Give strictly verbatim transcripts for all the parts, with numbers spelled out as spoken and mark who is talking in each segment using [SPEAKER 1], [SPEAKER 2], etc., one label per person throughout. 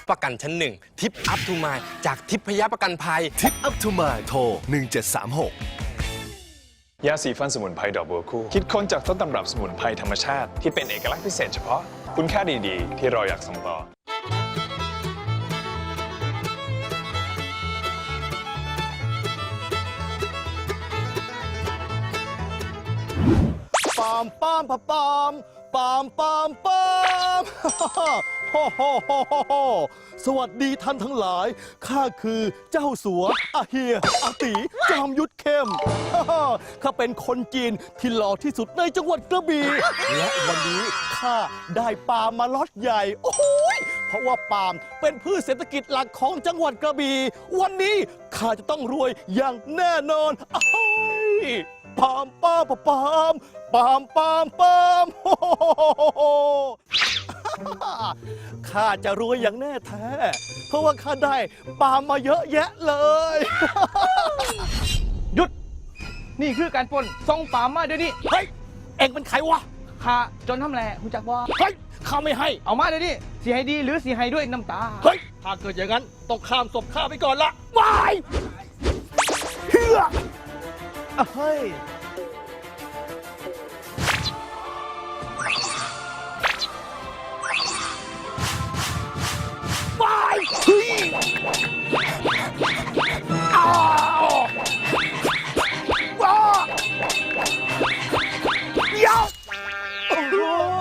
[SPEAKER 1] ประกันชั้นหนึ่งทิปอัพทูมายจากทิพยประกันภัย
[SPEAKER 2] ทิปอัพทูมายโทรหนึ่งเจ็ดสามหก
[SPEAKER 3] ยาสีฟันสมุนไพรดอกบัวคู่คิดค้นจากต้นตำรับสมุนไพรธรรมชาติที่เป็นเอกลักษณ์พิเศษเฉพาะคุณค่าดีๆที่เราอยากส่งต่อ
[SPEAKER 4] ปามปามปามปามปามปามปามโฮ่โฮ่โฮ่โฮ่สวัสดีท่านทั้งหลายข้าคือเจ้าสัวอาเฮียอาตีจอมยุทธเข้มข้าเป็นคนจีนที่หล่อที่สุดในจังหวัดกระบี่และวันนี้ข้าได้ปาล์มมาล็อตใหญ่โอ้โหเพราะว่าปาล์มเป็นพืชเศรษฐกิจหลักของจังหวัดกระบี่วันนี้ข้าจะต้องรวยอย่างแน่นอนอ้ายปามปามปามปามปามปามโอ้โหข้าจะรวยอย่างแน่แท้เพราะว่าข้าได้ปาล์มมาเยอะแยะเลย
[SPEAKER 5] หยุดนี่คือการปล้นส่งปาล์มมาเดี๋ยวนี้
[SPEAKER 4] เฮ้ยเอ็งเป็นใครวะ
[SPEAKER 5] ข้าจนทำแหล่หูจักว่า
[SPEAKER 4] เฮ้ยข้าไม่ให้
[SPEAKER 5] เอามาเดี๋ยวนี้สีให้ดีหรือสีให้ด้วยน้ำตา
[SPEAKER 4] เฮ้ยถ้าเกิดอย่างนั้นต้องข้ามศพข้าไปก่อนละวายเฮือเฮ้ยไปทีอ้าวว้ายาวโอ้โห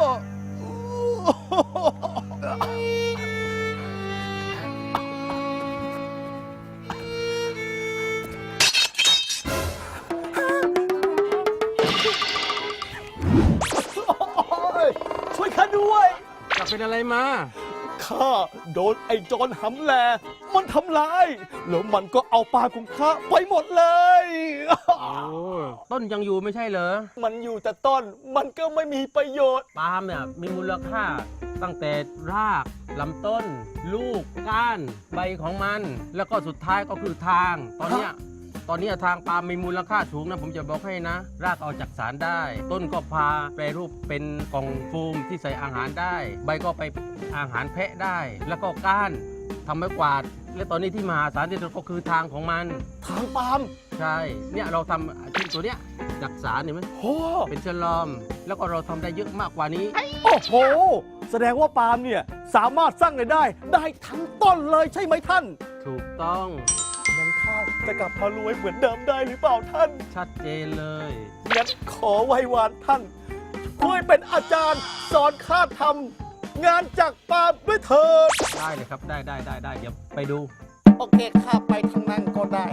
[SPEAKER 4] ช่วยข้าด้วย
[SPEAKER 5] จะเป็นอะไรมา
[SPEAKER 4] ข้าโดนไอ้โจรหำแลมันทำร้ายแล้วมันก็เอาปลาของข้าไปหมดเลย
[SPEAKER 6] โอ้ต้นยังอยู่ไม่ใช่เหรอ
[SPEAKER 4] มันอยู่แต่ต้นมันก็ไม่มีประโยชน์
[SPEAKER 6] ปาล์มเนี่ยมีมูลค่าตั้งแต่รากลำต้น ลูกก้านใบของมันแล้วก็สุดท้ายก็คือทางตอนเนี้ยตอนนี้ทางปาล์มมีมูลค่าสูงนะผมจะบอกให้นะ รากเอาจากสารได้ ต้นก็พาแปรรูปเป็นกล่องโฟมที่ใส่อาหารได้ ใบก็ไปอาหารแพะได้ แล้วก็ก้านทำไม้กวาดและตอนนี้ที่มหาศาลที่สุดก็คือทางของมัน
[SPEAKER 4] ทางปาล์ม
[SPEAKER 6] ใช่เนี่ยเราทำชิ้นตัวเนี้ยจากสารเห็นไหม
[SPEAKER 4] โอ้
[SPEAKER 6] เป็นฉลอมแล้วก็เราทำได้เยอะมากกว่านี้
[SPEAKER 4] โอ้โหแสดงว่าปาล์มเนี่ยสามารถสร้างรายได้ได้ทั้งต้นเลยใช่ไหมท่าน
[SPEAKER 6] ถูกต้อง
[SPEAKER 4] งั้นข้าจะกลับมารวยเหมือนเดิมได้หรือเปล่าท่าน
[SPEAKER 6] ชัดเจนเลย
[SPEAKER 4] งั้นขอไหว้วานท่านช่วยเป็นอาจารย์สอนข้าทำงานจากปาล์มด้วยเถิด
[SPEAKER 6] ได้เลยครับได้ได้ได้ได้เดี๋ยวไปดู
[SPEAKER 4] โอเคข้าไปทางนั้นก็ได้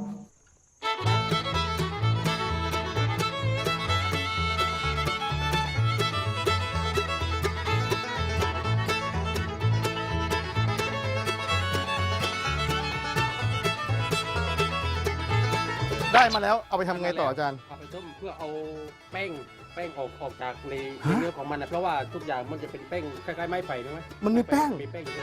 [SPEAKER 4] ได้มาแล้วเอาไปทำไงต่ออาจารย์
[SPEAKER 6] เอาไปต้มเพื่อเอาแป้งแป้งออกออกจากในเนื้อของมันนะเพราะว่าทุกอย่างมันจะเป็นแป้งคล้ายๆไม้ไผ่ใช่ไหม
[SPEAKER 4] มันมีแป้ง
[SPEAKER 6] มีแป้ง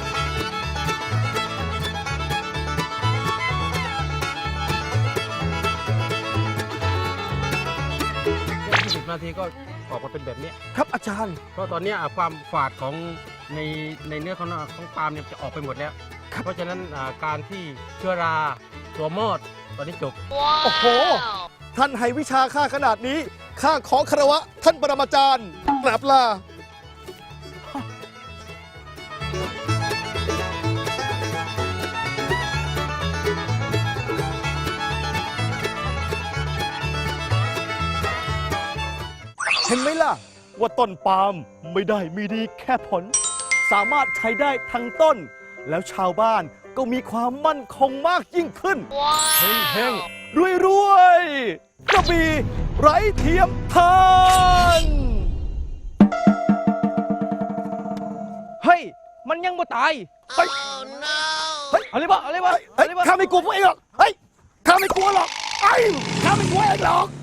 [SPEAKER 6] ยี่สิบนาทีก็ออกมาเป็นแบบนี้
[SPEAKER 4] ครับอาจารย์
[SPEAKER 6] เพราะตอนนี้ความฝาดของในในเนื้อของของปาล์มเนี่ยจะออกไปหมดแล้วเพราะฉะนั้นการที่เชื้อราตัวมอดตอนนี้จบ
[SPEAKER 4] โอ้โหท่านให้วิชาข้าขนาดนี้ข้าขอคารวะท่านปรมาจารย์กราบลาเห็นไหมล่ะว่าต้นปาล์มไม่ได้มีดีแค่ผลสามารถใช้ได้ทั้งต้นแล้วชาวบ้านก็มีความมั่นคงมากยิ่งขึ้นเฮ้งเฮ้งรวยรวยกระบี่ไร้เทียมทาน
[SPEAKER 5] เฮ้ยมันยังไม่ตาย
[SPEAKER 4] เฮ้ย
[SPEAKER 5] เฮ้ยอะไรบ้าอะไรบ้า
[SPEAKER 4] เฮ้ยข้าไม่กลัวพวกเองหรอกเฮ้ยข้าไม่กลัวหรอกไอ้ข้าไม่กลัวเองหรอก